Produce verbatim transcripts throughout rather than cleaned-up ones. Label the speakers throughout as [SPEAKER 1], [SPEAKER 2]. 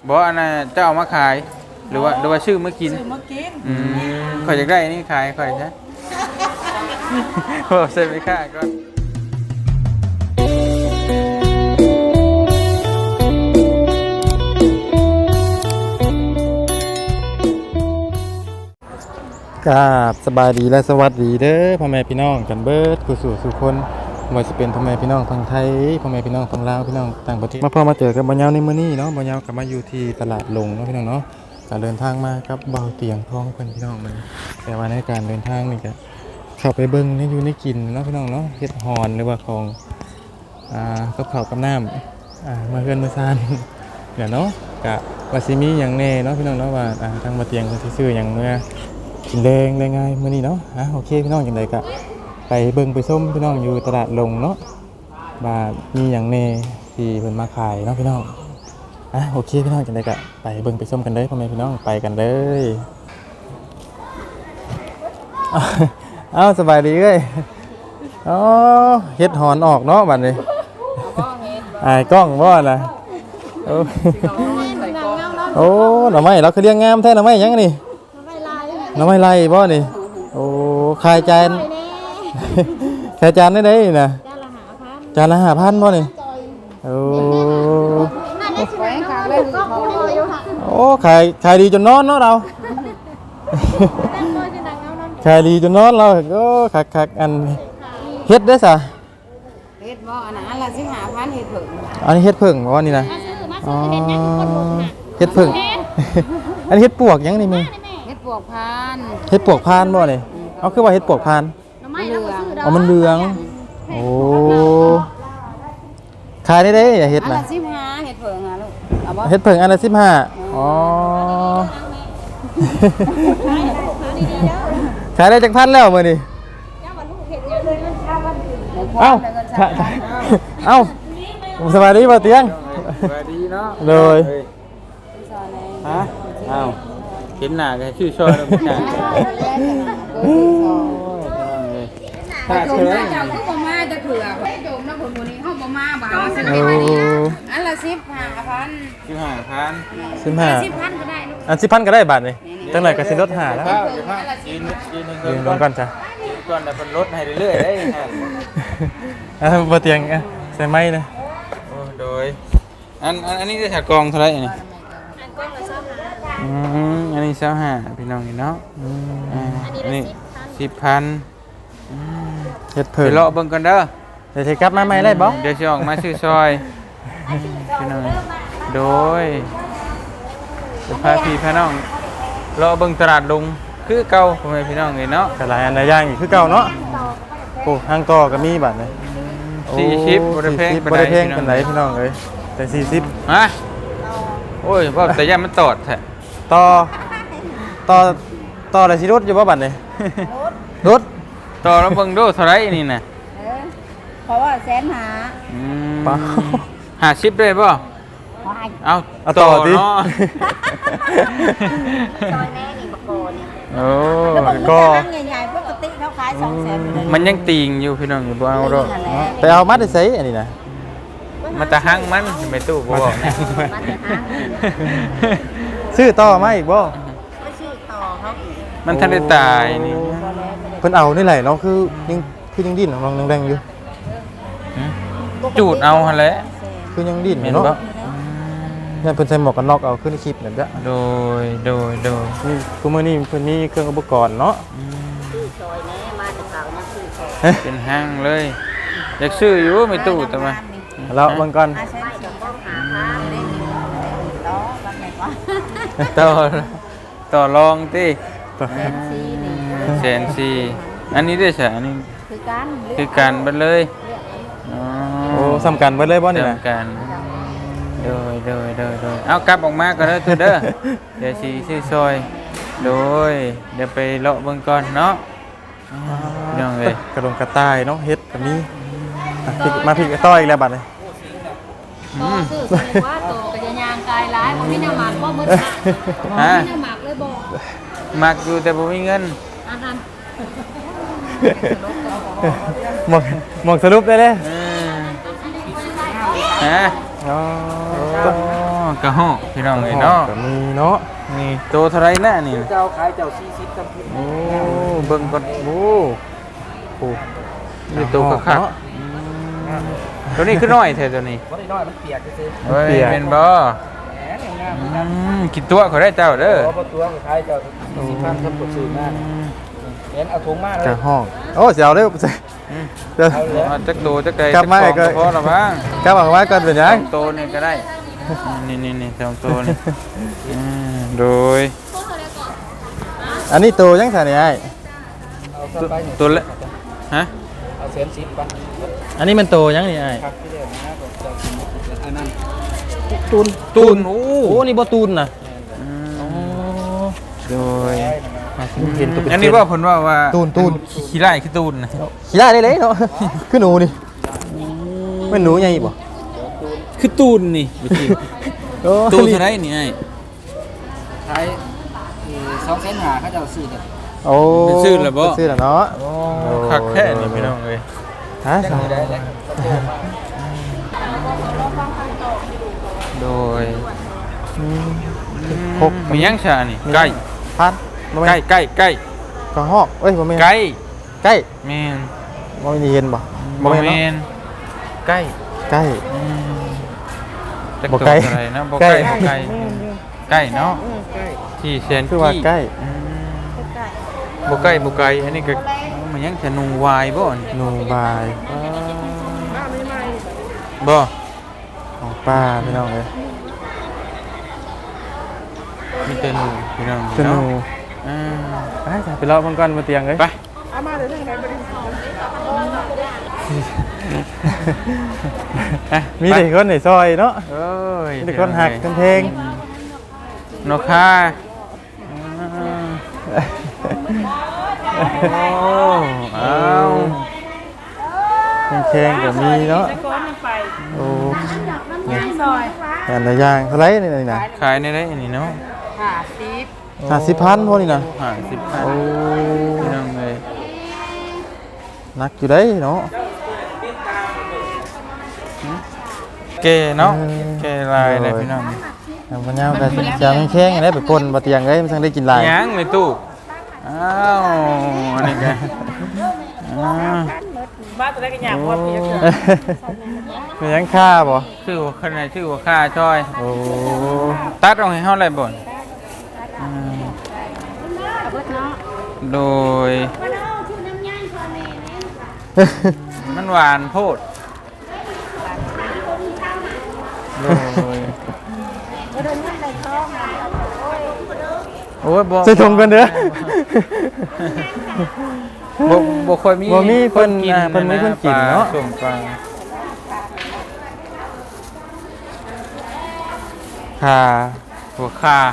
[SPEAKER 1] บ่อันน่ะเจ้าเอามาขายหรือว่าหรือว่าชื่อมากิน
[SPEAKER 2] ซื้อมากิน
[SPEAKER 1] อืมข่อยอยากได้นี่ขายข่อยซะโอ้ใส่ไปค่าก่อนกราบสบายดีและสวัสดีเด้อพ่อแม่พี่น้องกันเบิดผู้สู่สู่คนว่าจะเป็นพ่อแม่พี่น้องฝั่งไทยพ่อแม่พี่น้องฝั่งลาวพี่น้องต่างประเทศมาพอมาเจอกับบ่าวเหยาในมื้อนี้เนาะบ่าวเหยากลับมาอยู่ที่ตลาดลงเนาะพี่น้องเนาะการเดินทางมากับเบาเตียงท้องเพิ่นพี่น้องมันแต่ว่าในการเดินทางนี่ก็เข้าไปเบิ่งในอยู่ในกินเนาะพี่น้องเนาะเฮ็ดฮอนหรือว่าของอ่ากับข้าวกับน้ำอ่ามาเฮือนมาซ่านเดี๋ยวเนาะก็ว่าสิมีหยังแน่เนาะพี่น้องเนาะว่าอ่าทางบ่าวเตียงเพิ่นสิซื้อหยังเมื่อกินแรงได้ง่ายมื้อนี้เนาะอ่ะโอเคพี่น้องจังได๋ก็ไปเบิ่งไปส้มพี่น้องอยู่ตลาดลงเนาะว่ามีหยังแน่ที่เพิ่นมาขายเนาะพี่น้องอ่ะโอเคพี่น้องจังได๋ก็ไปเบิ่งไปส้มกันเด้อพ่อแม่พี่น้องไปกันเลยเอ้าสบายดีเอ้ยอ๋อเฮ็ดหอนออกเนาะบัดนี้อายกล้องบ่ล่ะโอ้โอ้หน่อไม้เราคือเรียงงามแท้หน่อไม้หยังนี่หน่อไม้ไล่บ่นี่โอ้ขายจานขายจานได้ได้น่ะจานละห้าพันบ่นี่โอ้โอ้ขายขายดีจนนอนเนาะเราขายดีจนนอนเราโอ้คักๆอันเฮ็ดได้ซะ
[SPEAKER 2] เฮ็ดบ่อันนั้นละสิบห้าพันเฮ็ดเพิ่ง
[SPEAKER 1] อันนี้เฮ็ดเพิ่งบ่นี่นะอ๋อเฮ็ดเพิ่งอันนี้เฮ็ดปวกยังนี่แม่
[SPEAKER 2] เฮ็ดปวกพาน
[SPEAKER 1] เฮ็ดปวกพานบ่นี่เอาคือว่าเฮ็ดปวกพาน
[SPEAKER 2] เหลือง
[SPEAKER 1] อ๋อมันเหลืองโอ้ขายได้เด้อย่าเฮ็ดน่ะ
[SPEAKER 2] อันละสิบห้าเฮ็ดเพิ่งอ่ะลูกเอาบ่
[SPEAKER 1] เฮ็ดเพิ่งอันละสิบห้าอ๋อขายได้จักพันแล้วมื้อนี้เอ้าเอ้าสวัสดีบ่เตียงสวัสดีเนาะเลยฮะเอ้าเห็นหน้าก็ชื่อช่อแล้วจ้ะถ้าเชิญ
[SPEAKER 2] เจ้าคือบ่มาจะเผื่อไปโจมนะคนคนนี้เฮาบ่มาบ่เอาสิได้มาดีอันละสิบห้าพัน
[SPEAKER 1] สิบห้าพัน
[SPEAKER 2] สิบห้าสิบพันก็ได้ลูก
[SPEAKER 1] อันสิบพันก็ได้บาทนี่จังไหนก็สิลดห้าแล้วยืนยืนยืนก่อนจ้ะยืนก่อนแล้วเพิ่นลดให้เรื่อยๆได้ฮะอ่ะบ่เตียงอ่ะใส่ไม้นะโอ้โดยอันอันนี้ได้ถักกองเท่าไหร่นี่อันกองละยี่สิบห้าอืมอันนี้ยี่สิบห้าพี่น้องนี่เนาะอืมอันนี้สิบพันอืมเฮ็ดเพิ่นเลาะเบิ่งก่อนเด้อเดี๋ยวสิกลับมาใหม่ได้บ่เดี๋ยวสิออกมาซื้อซอยพี่น้องโดยจะพาพี่พาน้องเลาะเบิ่งตลาดลงคือเก่าพ่อแม่พี่น้องนี่เนาะก็หลายอันหลายอย่างอีกคือเก่าเนาะโอ้ทางต่อก็มีบัดนี่สี่สิบบ่ได้แพงบ่ได้แพงปานใดพี่น้องเอ้ยแต่สี่สิบฮะโอ้ยบ่แต่ย่ามันตอดแท้ต่อต่อต่อได้สิรถอยู่บ่บัดนี่รถต่อแล้วเบิ่งดูเท่าไหร่นี่น่ะ
[SPEAKER 2] เออเพราะว่าแสนหา
[SPEAKER 1] อืมห้าสิบได้บ่เอาต่อดิซอยแม่นี่บ่โกนี่โอ้ก็ใหญ่ๆปกติเขาขายสองแสนมันยังติงอยู่พี่น้องอยู่บ่เอาดอกไปเอามาได้ไสอันนี้นะมาตะหังมันไม่ตู้บ่บอกนะซื้อต่อมาอีกบ่ซื้อต่อครับมันทันได้ตายนี่เพิ่นเอานี่แหละเนาะคือยังคือยังดิ้นของน้องแดงอยู่จูดเอาหั่นแหละคือยังดิ้นเนาะเนี่ยเพิ่นใส่หมวกกันน็อกเอาขึ้นในคลิปนั่นจ้ะโดยโดยโดยนี่คือมื้อนี้เพิ่นมีเครื่องอุปกรณ์เนาะซอยแม่มาแต่เก่านะคือเป็นห้างเลยอยากซื้ออยู่ไม่ตู้แต่ว่าแล้วเบิ่งก่อนต่อต่อรองติแสนสี่อันนี้ได้ซะอันนี้คือกันคือกันเบิดเลยอ๋อโอ้สำคัญเบิดเลยบ่นี่น่ะสำคัญโดยโดยโดยโดยเอากลับออกมาก็ได้ทุเด้อเดี๋ยวสีซื้อซอยโดยเดี๋ยวไปเลาะเบิ่งก่อนเนาะน้องเอ้ยกระดงกระต่ายเนาะเฮ็ดก็มีมาพี่กระต้อยอีกแล้วบัดนี้
[SPEAKER 2] อืมซื้อว่าโตก็จะยางกายร้ายบ่มีน้ำหมักบ่มื้อฮะบ่มีน้ำหมักเลยบ่
[SPEAKER 1] หมักอยู่แต่บ่มีเงิน
[SPEAKER 2] อาหาร
[SPEAKER 1] หมกหมกสรุปได้เลยฮะอ๋อกระห้องพี่น้องเลยเนาะ
[SPEAKER 2] ก็มีเนาะ
[SPEAKER 1] นี่โตเท่าไรแน่นี่
[SPEAKER 3] เจ้าขายเจ้าสี่สิบกับ
[SPEAKER 1] โอ้เบิ่งก่อน
[SPEAKER 2] โอ้โห
[SPEAKER 1] นี่โตกระคักตัวนี้คือน้อยแท้ตัวนี้
[SPEAKER 3] บ่ได้น้อยมันเปียกซื่อ
[SPEAKER 1] เฮ้ยเป็นบ่
[SPEAKER 3] แหมเนี่ยงามงาม
[SPEAKER 1] อืมกินตัวเขาได้เจ้าเด้อ
[SPEAKER 3] บ่บ่ตัวขายเจ้าสี่สิบพันครับกดซื้อมาเห็นเอาถุงมาเลย
[SPEAKER 2] กระห้องโอ้เสียวเด้อเดี๋ยว
[SPEAKER 3] เอาเลย
[SPEAKER 1] เอาจักโตจักไก่
[SPEAKER 2] กลับมา
[SPEAKER 1] จัก
[SPEAKER 2] ก็
[SPEAKER 1] สองพอละบ้าง
[SPEAKER 2] กลับออกมาก่อนเป็นหยัง
[SPEAKER 1] สองโตนี่ก็ได้นี่นี่นี่สองโตนี่อืมโดย
[SPEAKER 2] อันนี้โตยังไงเนี่ยไอ้
[SPEAKER 3] เอาซะไปเนี่ย
[SPEAKER 1] ตัวละฮะ
[SPEAKER 3] เอาเซนสิบไป
[SPEAKER 2] อันนี้มันโตยังนี่ไอ้
[SPEAKER 3] ครับที่เรียกนะผมจะกินอันนั้น
[SPEAKER 2] ตูน
[SPEAKER 1] ตูนโอ้
[SPEAKER 2] โอ้นี่บ่ตูนนะ
[SPEAKER 1] อืม
[SPEAKER 2] โอ้
[SPEAKER 1] โดย
[SPEAKER 2] เห็นตัวเป็น
[SPEAKER 1] อันนี้ว่าผลว่าว่า
[SPEAKER 2] ตูนตูน
[SPEAKER 1] ขี้ไล่ขี้ตูนนะ
[SPEAKER 2] ขี้ได้เลยเนาะคือหนูนี่มันหนูใหญ่บ่
[SPEAKER 1] คือตูนนี่
[SPEAKER 2] โอ้
[SPEAKER 1] ตูนเท่าไรนี่ไอ้
[SPEAKER 3] ขายสองเซนหาเขาจะเอาซื้อกัน
[SPEAKER 2] โอ้
[SPEAKER 1] เป็นชื่อแล้วบ่
[SPEAKER 2] เป็นชื่อแล้วเนาะ
[SPEAKER 1] คักแค่นี่พี่น้องเอ้ย
[SPEAKER 2] ฮะ
[SPEAKER 3] จังได้เลย
[SPEAKER 1] โดย
[SPEAKER 2] พก
[SPEAKER 1] มียังชานี่ไก่
[SPEAKER 2] พันบ่แม่น
[SPEAKER 1] ไก่ไก่ไก่
[SPEAKER 2] กระหอกเอ้ยบ่แม่น
[SPEAKER 1] ไก่
[SPEAKER 2] ใกล้
[SPEAKER 1] แม่น
[SPEAKER 2] บ่มีเห็นบ่
[SPEAKER 1] บ่
[SPEAKER 2] แม่น
[SPEAKER 1] แม่
[SPEAKER 2] เนาะ
[SPEAKER 1] นไก่
[SPEAKER 2] ใกล้
[SPEAKER 1] อืมจั
[SPEAKER 2] บ่
[SPEAKER 1] ตัว
[SPEAKER 2] ไก่
[SPEAKER 1] อะไรนะบ่
[SPEAKER 2] ไก่
[SPEAKER 1] ไก่บ่ไก่ไก่เนาะที่แสน
[SPEAKER 2] คือว่าใกล้
[SPEAKER 1] อืมบ่ไก่บ่ไก่อันนี้ก็มันยังจะนูวายบ่นี่
[SPEAKER 2] หนูบาย
[SPEAKER 1] บ่
[SPEAKER 2] ของป้าพี่น้องเอ้ย
[SPEAKER 1] มีแต่นูพี่น้อง
[SPEAKER 2] คือหนู
[SPEAKER 1] เนาะอ่า
[SPEAKER 2] ไปจ้ะไปรอมันก่อนบนเตียงเอ้ย
[SPEAKER 1] ไป อ่ะ
[SPEAKER 2] มีแต่คนในซอยเนาะ
[SPEAKER 1] เอ้ย
[SPEAKER 2] มีแต่คนหักกันเพลง
[SPEAKER 1] นกค่าโอ้เอา
[SPEAKER 2] เพลงๆก็มีเนาะโอ้นี่แต่ละอย่างเท่าไหรนี่นี่นะ
[SPEAKER 1] ขายในได้อันนี้เนาะ
[SPEAKER 2] ห้าสิบพันพวกนี้นะ
[SPEAKER 1] ห้าสิบพัน
[SPEAKER 2] โอ้
[SPEAKER 1] พี่น้องเลย
[SPEAKER 2] นักอยู่ได้เนาะ
[SPEAKER 1] เกเนาะเกลายเลยพี่น้อง
[SPEAKER 2] แต่วันนี้ก็จะไม่แข้งได้ไปปนบะเตียงเลยมันสั่งได้กินลาย
[SPEAKER 1] ยังในตู้อ้าวอันนี้แกอ่า
[SPEAKER 3] บ้านตัวได้กันอย่างว่าเปียก
[SPEAKER 2] มันยังค่าบ่
[SPEAKER 1] ชื่อว่าขนาดชื่อว่าค่าช่อย
[SPEAKER 2] โอ้
[SPEAKER 1] ตัดออกให้เฮาไรบ่นอืมโดยมันหวานโพดโดยโอ้ยบ่
[SPEAKER 2] ใส่ถุงกันเด้อ
[SPEAKER 1] บ่บ่ค่อยมี
[SPEAKER 2] บ่มีเพิ่น
[SPEAKER 1] กิน
[SPEAKER 2] อ่าเพิ่นมีเพิ่นกินเนาะ
[SPEAKER 1] ปลส้มปลา
[SPEAKER 2] ค่า
[SPEAKER 1] หัวคา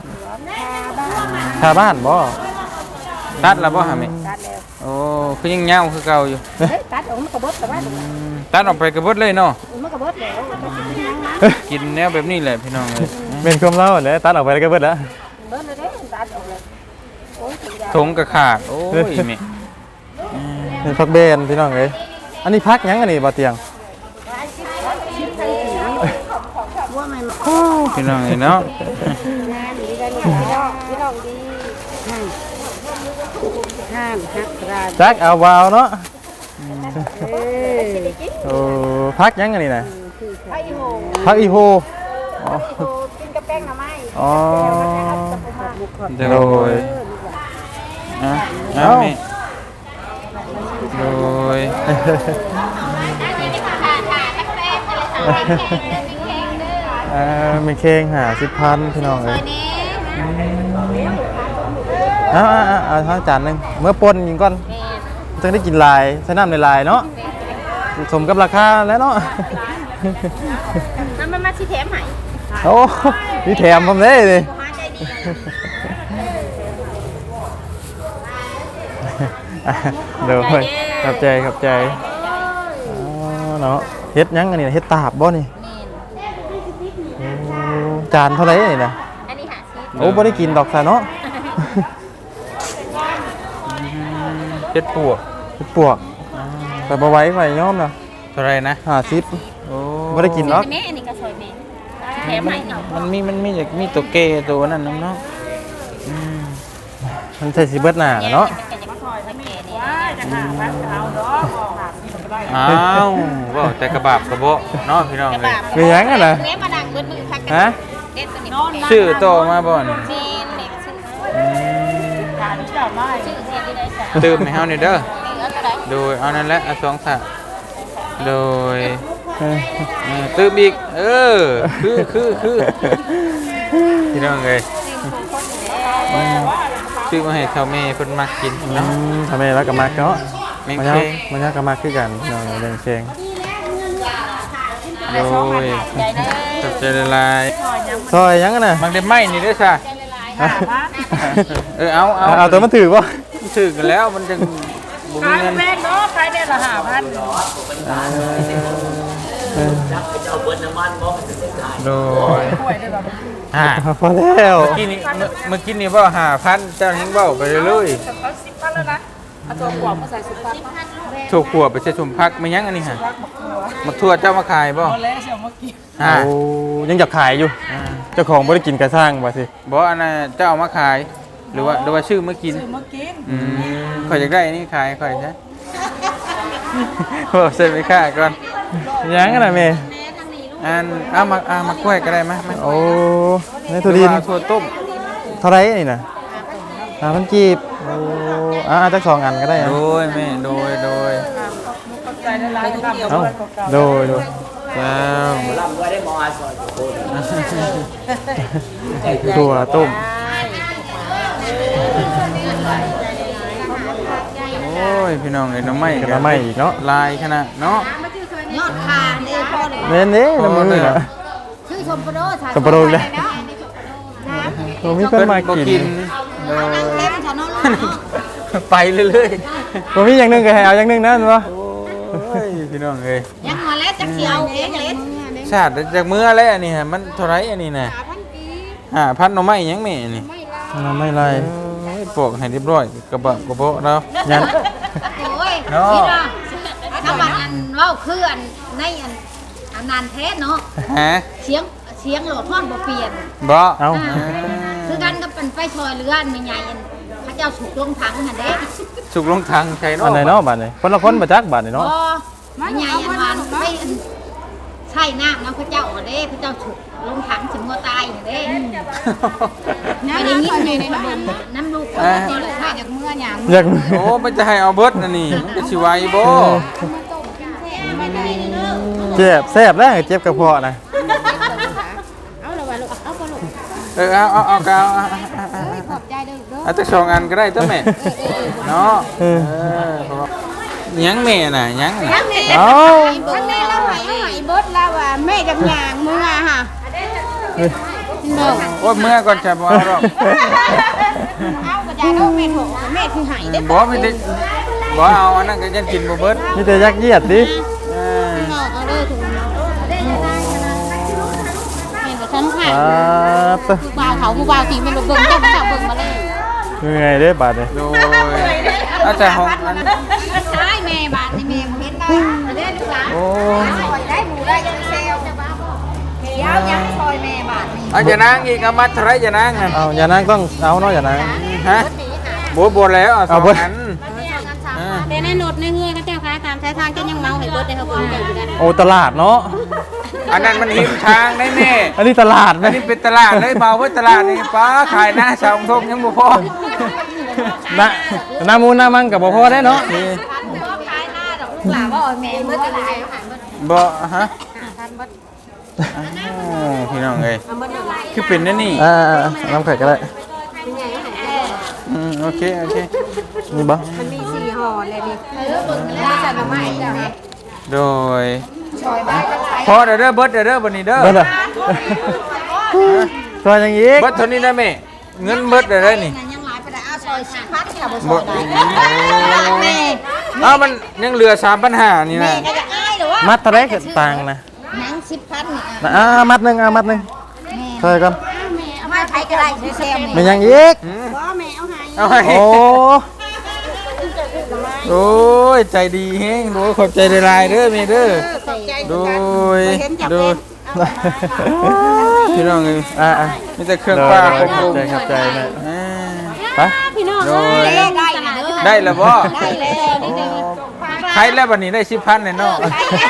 [SPEAKER 2] ค่าบ้านบ่
[SPEAKER 1] ตัดแล้วบ่ฮะแม่
[SPEAKER 4] ตัดแล้ว
[SPEAKER 1] โอ้คือยังเหงาคือเก่าอยู่
[SPEAKER 4] เฮ้ยตัดออกมันก็เบดแต่ว่า
[SPEAKER 1] อืมตัดออกไปก็เบิดเลยเนาะ
[SPEAKER 4] มันก็เบดแล้วมันก็สิยังนะ
[SPEAKER 1] กินแนวแบบนี้แหละพี่น้องเอ้ย
[SPEAKER 2] เป็นความเล่าแหละตัดออกไปแล้วก็เบิดแล้ว
[SPEAKER 4] เบดเลยเด้ตัดออกเลยโอ้ยสิยา
[SPEAKER 1] ทงก็ขาดโอ้ยแม่อืม
[SPEAKER 2] เป็นพักเบนพี่น้องเอ้ยอันนี้พักหยังอันนี้บ่เตียง
[SPEAKER 4] ว่ามัน
[SPEAKER 1] พี่น้องเอ้ยเนาะ
[SPEAKER 4] งานดีกันพี่น้องพี่น้องดีห้ามห้ามหักรา
[SPEAKER 2] จักเอาวาวเนาะ
[SPEAKER 4] เอ้ย
[SPEAKER 2] โอ้พักหยังอันนี้น่ะ
[SPEAKER 4] ไอ้โห
[SPEAKER 2] พักอีโพอ๋อ
[SPEAKER 4] กินกระแป้งหน่อไม้
[SPEAKER 2] อ๋อ
[SPEAKER 1] โดยอ่ะเอาแม่โดย
[SPEAKER 2] เออมีเค้งหาสิบพันพี่น้องเลยเอาเอาเอาเอาทั้งจานหนึงเมื่อปนยิงก่อนจะได้กินลายใช้น้ำในลายเนาะสมกับราคาแล้วเนาะ
[SPEAKER 4] น้ำมันมาชิแถมใหม่
[SPEAKER 2] โอ้มีแถมผมเลยดิ
[SPEAKER 4] มาใจดี
[SPEAKER 2] เดี๋ยวขอบใจขอบใจอ๋อเนาะเฮ็ดหยังอันนี้น่ะเฮ็ดตาบบ่นี่โอ้จานเท่าไหร่นี่นะ
[SPEAKER 4] อันนี้หาซิ
[SPEAKER 2] โอ้บ่ได้กินดอกซะเนาะ
[SPEAKER 1] เจ็ดปวก
[SPEAKER 2] เฮ็ดปวกแต่บ่ไหวไหวย้อมนะ
[SPEAKER 1] เท่าไหรนะ
[SPEAKER 2] ห้าสิบ
[SPEAKER 1] โอ้
[SPEAKER 2] บ่ได้กินเนาะ
[SPEAKER 4] แม่อันนี้ก็ซอยแม่แถมให้นี่
[SPEAKER 1] มันมีมันมีอยากมีตัวเกตัวนั้นน้องเนาะอืม
[SPEAKER 2] มันใส่สิเบิดหน้าเนาะ
[SPEAKER 1] อ้าวว้าวแต่กระบาบกระโบะเนาะพี่น้องเลย
[SPEAKER 2] มีหยังอ่ะน่ะ
[SPEAKER 4] แม่มาดังเบิดมือพักกัน
[SPEAKER 2] ฮะ
[SPEAKER 4] เด็ดสนิท
[SPEAKER 1] ชื่อโตมาบ่อน
[SPEAKER 4] เซนเด็กชื่อ
[SPEAKER 1] อืม
[SPEAKER 4] ชื่อเซนที่ได้จ้ะ
[SPEAKER 1] ตื่มให้เฮานี่เด้อ
[SPEAKER 4] เหลือเท่าไหร่
[SPEAKER 1] โดยเอานั่นแหละเอาสองถาดโดย
[SPEAKER 2] เออ
[SPEAKER 1] เออตื่มอีกเออคือคือคือพี่น้องเลยซื้อมาให้เท่าแม่เพิ่นมักกิน
[SPEAKER 2] อื
[SPEAKER 1] เนาะ
[SPEAKER 2] มทำไมแล้วก็มักเนาะ
[SPEAKER 1] แมง
[SPEAKER 2] มัน
[SPEAKER 1] เค
[SPEAKER 2] ยัง
[SPEAKER 1] ง
[SPEAKER 2] มันยังก็มักคือกันเนาะเรื่องเชง
[SPEAKER 1] โดยจับใจละลาย
[SPEAKER 2] ซอยหยังอ่ะน่ะ
[SPEAKER 1] มักได้ไหมนี่เด้อซ่าเออเอาเอา
[SPEAKER 2] เอาเอาตัวมันถือบ่
[SPEAKER 1] ถึงกันแล้วมันจะบุญเงิน
[SPEAKER 4] แม่เนาะใครได้ละห้าพัน
[SPEAKER 2] เออ
[SPEAKER 1] โดยอ่า
[SPEAKER 2] พอแล้ว
[SPEAKER 1] เมื่อกี้นี่เมื่อกี้นี่ว่าหาพันเจ้าหิงเบ้าไปเรื่อย
[SPEAKER 4] เขาสิบพันแล้วนะเอาตัวขวบมาใส่สิบพัน
[SPEAKER 1] ๆโชว์ขวบไปใช้ชมพักไม่ยั้งอันนี้ฮะมาทั่วเจ้ามาขายบ่
[SPEAKER 4] แล้วเสียวเมื่อกี้
[SPEAKER 1] อ่า
[SPEAKER 2] โอ้ยังจับขายอยู่
[SPEAKER 1] อ่า
[SPEAKER 2] เจ้าของบ่ได้กินกระสร้างว่าสิ
[SPEAKER 1] บ่อันน่ะเจ้าเอามาขาย หรือว่าหรือว่าชื่อมากิน
[SPEAKER 4] เมื่อกี้
[SPEAKER 1] อืมข่อยอยากได้อันนี่ขายข่อยใช่โอ้เซ็นไปค่าก่อน
[SPEAKER 2] หยังอ่ะน่ะแม่
[SPEAKER 1] อันเอามาเอามากล้วยก็ได้ไหมไหม
[SPEAKER 2] โอ้ในถั่วดิน
[SPEAKER 1] หรือว่าถั่วต้ม
[SPEAKER 2] เท่าไหร่นี่น่ะห้าพันกีบโอ้อ่าจักสองอันก็ได้อะ
[SPEAKER 1] โดยแม่โดยโดย
[SPEAKER 4] ใจละลายกันเดียว
[SPEAKER 2] เอ้าโดยโดย
[SPEAKER 1] เจ้า
[SPEAKER 2] ถั่วต้ม
[SPEAKER 1] โอ้ยพี่น้องเลยน้ำไหม้
[SPEAKER 2] กับน้ำไหม้อีกเนาะ
[SPEAKER 1] ลายขนาดเนาะ
[SPEAKER 4] ยอดคาเนี่ยพ่อเลย
[SPEAKER 2] เน้นนี่น้ำมือน่ะ
[SPEAKER 4] ชื่อชมโปรด
[SPEAKER 2] ชมโปรดเลย โอ้มีคนมา
[SPEAKER 1] บ่
[SPEAKER 2] กิน
[SPEAKER 1] โดย
[SPEAKER 4] เล่นฉันนอน
[SPEAKER 1] ไปเรื่อย
[SPEAKER 2] บ่มีอย่างหนึงก็ให้เอาอย่างหนึงนะบ่
[SPEAKER 1] ๆโอ้ยพี่น้องเอ้ย
[SPEAKER 4] ยังมาแล้วจะเขียวเองเล็ด
[SPEAKER 1] ชาติจากเมื่อแล้วอันนี้ฮะมันเท่าไรอันนี้น่ะห้าพันหน่อไม้ยังแม่นี่
[SPEAKER 2] น้ำไม่ไร
[SPEAKER 1] โอ้ยปลูกให้เรียบร้อยกระบะกระโปะแล้ว
[SPEAKER 2] ยัน
[SPEAKER 4] โอ้ย
[SPEAKER 1] เนาะ
[SPEAKER 4] นี่เนาะถ้ามันอันเล่าคืออันในอันอันนานแท้เนาะ
[SPEAKER 1] ฮะ
[SPEAKER 4] เสียงเสียงโหลดท่อนบ่เปลี่ยน
[SPEAKER 1] บ่
[SPEAKER 2] เอา
[SPEAKER 4] คือกันก็เป็นไฟซอยเรือนใหญ่ๆอันพระเจ้าถูกลงถังหันเด้
[SPEAKER 1] สุกลงทางใช่เนาะ
[SPEAKER 2] อันไหนเนาะบาดนี้คนละคนบ่จักบาดนี้
[SPEAKER 4] พ
[SPEAKER 2] เนาะ
[SPEAKER 4] อใหญ่อันวานไม่อันใช่น้ำน้ำพระเจ้าเด้พระเจ้าถูกลงถังถึงหัวตายเด้ไม่ได้ยินอยู่ในน้ำน้ำลูกคนที่ลูกมาจากเมื่อหยาง
[SPEAKER 2] อยาก
[SPEAKER 1] โอ้มันจะให้เอาเบิดอันนี้มันจะสิไหวบ่
[SPEAKER 4] ไม่ได้เนาะ
[SPEAKER 2] เจ็บแซ่บแล้วเจ็บกระเพาะนะ
[SPEAKER 4] เอาละว่าลูกเอาไปลูก
[SPEAKER 1] เออเอาเอาเอาเอาเอาเอาเอา
[SPEAKER 4] ขอบใจเด้อเด้อ
[SPEAKER 1] เอาแต่สองอันก็ได้ตัวแม่เนาะ
[SPEAKER 2] เออ
[SPEAKER 1] เออเพราะว่ายังแม่น่ะยังน่ะ
[SPEAKER 4] ทั้งนี้
[SPEAKER 2] เอา
[SPEAKER 4] ทั้งนี้เราไหายหายบดเราอ่ะแม่กับหยางมือฮะเนาะ
[SPEAKER 1] โอ้ยเมื่อก่อนจะบ่เอาหรอก
[SPEAKER 4] เอากระจายเอาแม่ถูกแม่คือหายได้
[SPEAKER 1] บ่ไม่ได้บ่เอาอันนั้นก็ยังกินบ่เบิด
[SPEAKER 2] มีแต่ยักเยียดดิ
[SPEAKER 1] เออ
[SPEAKER 4] เนาะเอาเลยถูกเนาะแม่กับฉันค่ะ
[SPEAKER 2] อ่าปะ
[SPEAKER 4] ผู้บ่าวเขาผู้บ่าวสีเป็นเบิ่งเจ้าผู้สาวเบิ่งมาเลย
[SPEAKER 2] คือไงเด้บาดนี้
[SPEAKER 1] โดยอาจารย์ของอัน
[SPEAKER 4] ใช่แม่บาทนี่แม่เห็นได้เด้ลูกหลาน
[SPEAKER 2] โอ้
[SPEAKER 4] ซอยได้หมูได้ยังเซลเดี๋ยวยังซอยแม่บาทนี่
[SPEAKER 1] อาจะนางอีกเอามาเท่าไหรจะนางนั่น
[SPEAKER 2] เอาอย่านั่งต้องเอาเนาะอย่านั่ง
[SPEAKER 1] ฮะบ่บ่แล้วเอาส
[SPEAKER 2] เอา
[SPEAKER 1] อง
[SPEAKER 2] เบิด
[SPEAKER 1] อันอ่า
[SPEAKER 4] แต่ในโนดในเงื่อนก็เจ้าค้าตามสายทางก็ยังเมาให้เบิดได้เขาเบิ่งเจ้าอยู่ได้
[SPEAKER 2] โอ้ตลาดเนาะ
[SPEAKER 1] อันนั้นมันหิมทางได้แม่
[SPEAKER 2] อันนี้ตลาดไหม
[SPEAKER 1] อันนี้เป็นตลาดเลยเบาไว้ตลาดนี่ป้าขายหน้าชาวทงยังบ่พอ
[SPEAKER 2] นะหน้ามูนหน้ามันกับบ่พอได้เนาะนี่
[SPEAKER 4] ขายหน้าดอกลูกหลานว่าแม่เบิดอะไร
[SPEAKER 1] บ่ฮะอ้าวพี่น้องเอ้ยคือเป็นนั่นนี่
[SPEAKER 2] อ่าน้ำไข่ก็ได้
[SPEAKER 1] อืมโอเคโอเค
[SPEAKER 2] นี่บ่
[SPEAKER 4] มันมีสี่ห่อเลยนี่เออเบิ่งแล้วจะมาใหม่จ้ะ
[SPEAKER 1] โดย
[SPEAKER 4] ซอยบ้านก็ใช้
[SPEAKER 1] พอเด้อเด้อเบิดเด้อเด้อบัดนี้เด้อ
[SPEAKER 2] เบิดอ่ะตัวอย่างอีก
[SPEAKER 1] เบิดเท่านี้นะแม่เงินเบิดเด้อเด้อนี่
[SPEAKER 4] ยังหลายไปได้เอาซอยสิพัดค่ะบ่ซ
[SPEAKER 1] บ่
[SPEAKER 4] อยได้แม่
[SPEAKER 1] อ้าวมันยังเหลือสามพันห้าร้อยนี่
[SPEAKER 4] แม่
[SPEAKER 1] นะ
[SPEAKER 4] ก็จะอ้ายหรือว่า
[SPEAKER 2] มัดเท่าไรก็ต่างนะ
[SPEAKER 4] หนังสิบพันนี่
[SPEAKER 2] นะอ่ามัดหนึงอ่ามัดหนึงใช่ก่อน
[SPEAKER 4] เอามาไผก็ได้เซล
[SPEAKER 2] มีอย่างอีก
[SPEAKER 1] อืม
[SPEAKER 4] บ่แม่เอาให้
[SPEAKER 1] เอาให้
[SPEAKER 2] โอ้
[SPEAKER 1] โอ้ยใจดีแฮงโดยขอบใจหลายๆเด้อแม่เด้อ
[SPEAKER 4] ขอบใจ
[SPEAKER 1] โดยโดยพี่น้องเอ้ย
[SPEAKER 2] อ่าอ่า
[SPEAKER 1] มีแต่เครื่อง
[SPEAKER 2] โดย
[SPEAKER 1] ปลา
[SPEAKER 2] โด
[SPEAKER 1] คร
[SPEAKER 2] ย
[SPEAKER 1] บ
[SPEAKER 2] ขอบใจ
[SPEAKER 1] ๆ
[SPEAKER 2] ขอบใจแม่
[SPEAKER 1] อ่า
[SPEAKER 2] ไป
[SPEAKER 4] พี่น้อง
[SPEAKER 1] โดย
[SPEAKER 4] ได้ได้
[SPEAKER 1] ได้แล้วบ่
[SPEAKER 4] ได้แล้วนี่เด้อ
[SPEAKER 1] ใครแล้วบัดนี้ได้สิบพันแน่เนาะ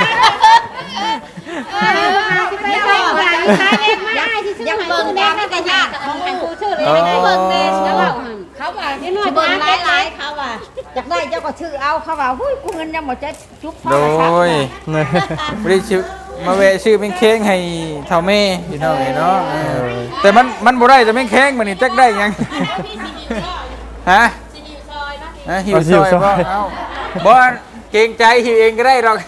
[SPEAKER 4] ไม่ใช่ว่าใช่มายังเบิ่งแดงนี่ก็ยากของให้ผู้ชื่อเลยไม่เบิ่งแดงแล้วว่าเขาว่าที่น้อยเบิ่งหลายๆเขาว่าอยากได้เจ้าก็ชื่อเอาเขาว่าหุ้ยกูเงินยังบ่จะจุ๊บ
[SPEAKER 1] โดยบ่ได้ชื่อมาแวะชื่อเป็นเค้งให้เท่าแม่พี่น้องเอ้ยเนาะเออแต่มันมันบ่ได้แต่เป็นเค้งมันนี่จักได้หยังฮะฮะหิวซอยบ่เอ้าบ่เกรงใจหิวเองก็ได้หรอก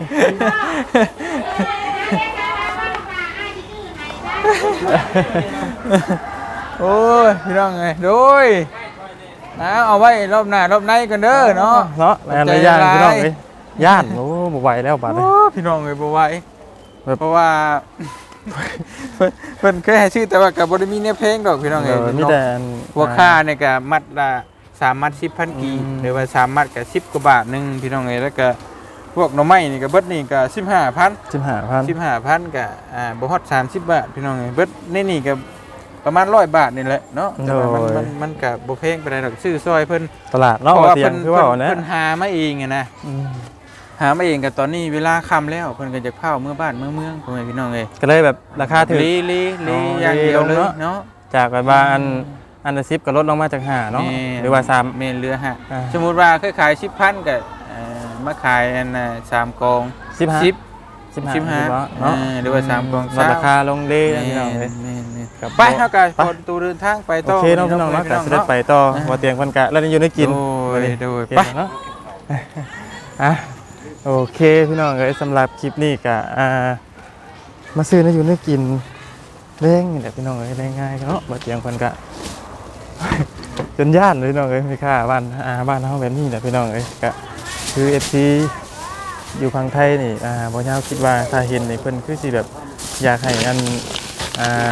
[SPEAKER 1] โอ้ยพี่น้องเอ้ยโดยเอาเอาไว้รอบหน้ารอบในกันเด้อเนาะ
[SPEAKER 2] เนาะแม่นย่านพี่น้องเอ้ยย่านโอ้บ่ไหวแล้วบาดนี้
[SPEAKER 1] โอ้พี่น้องเอ้ยบ่ไหวเพราะว่า เพิ่นเพิ่นเคยให้ชื่อแต่ว่าก็บ่ได้มีเนื้อเพลงดอกพี่น้อง
[SPEAKER 2] เอ
[SPEAKER 1] เอ้ย
[SPEAKER 2] อมีแต่อัน
[SPEAKER 1] หัวค่าเนี่ยก็มัดละสามมัดสิบพันกี
[SPEAKER 2] อืม
[SPEAKER 1] หรือว่าสามมัดก็สิบกว่าบาทหนึงพี่น้องเอ้ยแล้วก็พวกหน่อไม้นี่ก็เบิดนี่ก็สิบห้าพัน
[SPEAKER 2] สิบห้าพัน
[SPEAKER 1] สิบห้าพันก็อ่าบ่ฮอดสามสิบบาทพี่น้องเอ้ยเบิดในนี่ก็ประมาณร้อยบาทนี่แหละเนาะแต่ว่ามันมันมันก็บ่แพงปานใดดอกซื้อซอยเพิ่น
[SPEAKER 2] ตลาดเนาะ
[SPEAKER 1] เพราะว่า
[SPEAKER 2] เตีย
[SPEAKER 1] เพิ่
[SPEAKER 2] ง
[SPEAKER 1] น
[SPEAKER 2] คือว่า
[SPEAKER 1] เพิ่น
[SPEAKER 2] นะ
[SPEAKER 1] เพิ่นหามาเองอะนะ
[SPEAKER 2] อืม
[SPEAKER 1] หามาเองก็ตอนนี้เวลาค่ำแล้วเพิ่นก็จะเข้าเมื่อบ้านเมื่อเมืองพ่อแม่พี่น้องเอ้ย
[SPEAKER 2] ก็เลยแบบราคาถูก
[SPEAKER 1] ลีลีลี
[SPEAKER 2] อ๋อ
[SPEAKER 1] อย่างเดียวเลย
[SPEAKER 2] ลีลงเนาะ
[SPEAKER 1] เนาะ
[SPEAKER 2] จากแบบว่าอันอันละสิบก็ลดลงมาจากห้าเนาะ
[SPEAKER 1] แม่
[SPEAKER 2] หรือว่าสาม
[SPEAKER 1] เมนเรือฮะ
[SPEAKER 2] อ่า
[SPEAKER 1] สมมุติว่าเคยขายสิบพันก็เอ่อมาขายอันน่ะสามกอง
[SPEAKER 2] สิบห้า
[SPEAKER 1] สิบ
[SPEAKER 2] สิบห้า
[SPEAKER 1] สิบห้า
[SPEAKER 2] เนาะ
[SPEAKER 1] เออหรือว่าสามกอง
[SPEAKER 2] ลดราคาลงเด้
[SPEAKER 1] แม่
[SPEAKER 2] พี่น้องเลย
[SPEAKER 1] แม่แม่
[SPEAKER 2] ครับ
[SPEAKER 1] ไปเฮาก็
[SPEAKER 2] ไป
[SPEAKER 1] คนตูเดินทางไป
[SPEAKER 2] โอ
[SPEAKER 1] ต่อ
[SPEAKER 2] เคเนาะพี่น้องเนาะก็จะได้ไปต่อว่าเตียงเพิ่นกะแล้วอยู่ในกิน
[SPEAKER 1] โดยโดย
[SPEAKER 2] โอเค
[SPEAKER 1] ไป
[SPEAKER 2] เนาะอ่ะโอเคพี่น้องเอ้ยสำหรับคลิปนี้ก็อ่ามาซื้อนะอยู่ในกินเร่งนี่แหละพี่น้องเอ้ยง่ายๆเนาะว่าเตียงเพิ่นกะ จนย่านเลยพี่น้องเอ้ยไม่ค่าบ้านอ่าบ้านเฮาแบบนี้แหละพี่น้องเอ้ยก็คือ เอฟ ซี อยู่ฝั่งไทยนี่อ่าบ่ยาวคิดว่าถ้าเห็นนี่เพิ่นคือสิแบบอยากให้อันอ่า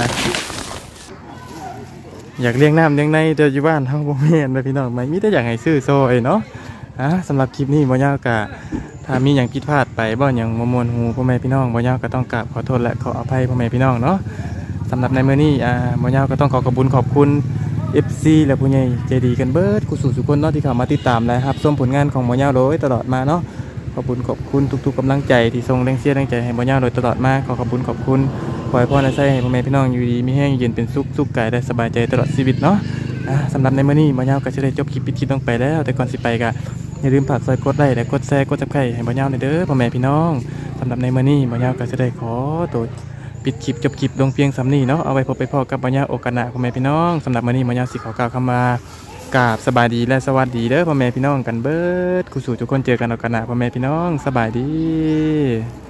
[SPEAKER 2] อยากเลี้ยงน้ำเลี้ยงในแต่อยู่บ้านเฮาบ่แม่นเลยพี่น้องไม่มีแต่อยากให้ซื้อซอยเนาะอ่ะสำหรับคลิปนี้บ่ยาวก็ถ้ามีหยังผิดพลาดไปบ่หยังบ่ม่วนหูพ่อแม่พี่น้องบ่ยาวก็ต้องกราบขอโทษและขออภัยพ่อแม่พี่น้องเนาะสำหรับในมื้อนี้อ่าบ่ยาวก็ต้องขอขอบคุณขอบคุณ เอฟ ซี และผู้ใหญ่ใจดีกันเบิดกุศลทุกคนเนาะที่เข้ามาติดตามและรับชมผลงานของบ่ยาวโดยตลอดมาเนาะขอบคุณขอบคุณทุกๆกำลังใจที่ส่งแรงเชียร์แรงใจให้บ่ยาวโดยตลอดมาขอขอบคุณขอบคุณขอให้พ่อและใส่ให้พ่อแม่พี่น้องอยู่ดีมีแห้งอยู่เย็นเป็นสุขสุขกายได้สบายใจตลอดชีวิตเนาะอ่าสำหรับในมื้อนี้บ่ยาวก็จะได้จบคลิปปิดคลิปลงไปแล้วแต่ก่อนสิไปก็อย่าลืมฝากซอยกดไลค์และกดแชร์กด ซับสไครบ์ ให้บ่ยาวหน่อยเด้อพ่อแม่พี่น้องสำหรับในมื้อนี้บ่ยาวก็จะได้ขอตัวปิดคลิปจบคลิปลงเพียงสำนี้เนาะเอาไว้พบไปพอกับบ่ยาวโอกาสหน้าพ่อแม่พี่น้องสำหรับมื้อนี้บ่ยาวสิขอกล่าวคำว่ากราบสบายดีและสวัสดีเด้อพ่อแม่พี่น้องกันเบิดกุศลทุกคนเจอกันโอกาสหน้าพ่อแม่พี่น้องสบายดี